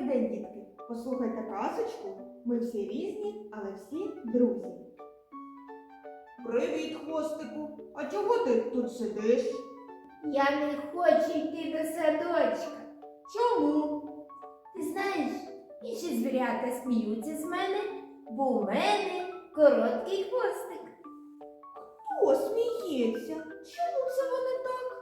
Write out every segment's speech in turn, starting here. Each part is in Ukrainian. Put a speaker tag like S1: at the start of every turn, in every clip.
S1: день, дітки! Послухайте казочку. Ми всі різні, але всі друзі. Привіт, хвостику! А чого ти тут сидиш?
S2: Я не хочу йти до садочка.
S1: Чому?
S2: Ти знаєш, інші звірята сміються з мене, бо у мене короткий хвостик.
S1: Хто сміється? Чому це вони так?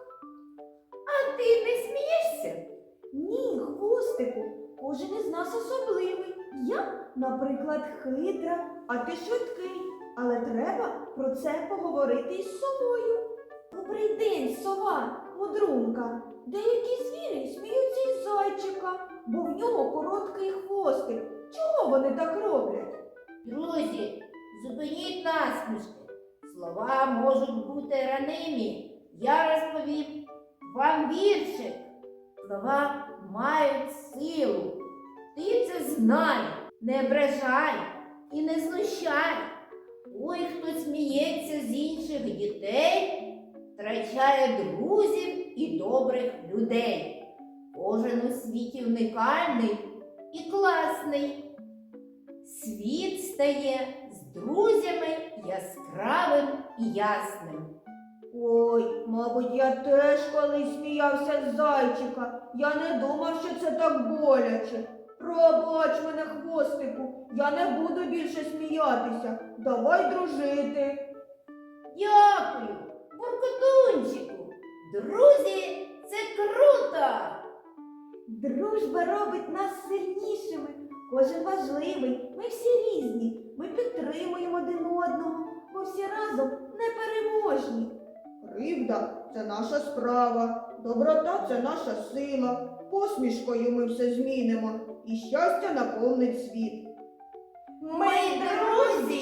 S2: А ти не смієшся?
S1: Ні, хвостику, кожен із нас особливий. Я, наприклад, хитра, а ти швидкий. Але треба про це поговорити із совою. Добрий день, сова, мудрунка. Деякі звірі сміються із зайчика, бо в нього короткий хвостик. Чого вони так роблять?
S2: Друзі, зупиніть насмішки. Слова можуть бути ранимі. Я розповім вам віршик. Слова мають силу. Ти це знай, не ображай і не знущай. Ой, хто сміється з інших дітей, втрачає друзів і добрих людей. Кожен у світі унікальний і класний. Світ стає з друзями яскравим і ясним.
S1: Ой, мабуть, я теж колись сміявся з зайчика. Я не думав, що це так боляче. Пробач мене, хвостику, я не буду більше сміятися. Давай дружити.
S2: Дякую, буркотунчику. Друзі, це круто!
S1: Дружба робить нас сильнішими. Кожен важливий, ми всі різні. Ми підтримуємо один одного, бо всі разом непереможні. Кривда – це наша справа, доброта – це наша сила. Посмішкою ми все змінимо, і щастя наповнить світ.
S2: Ми друзі!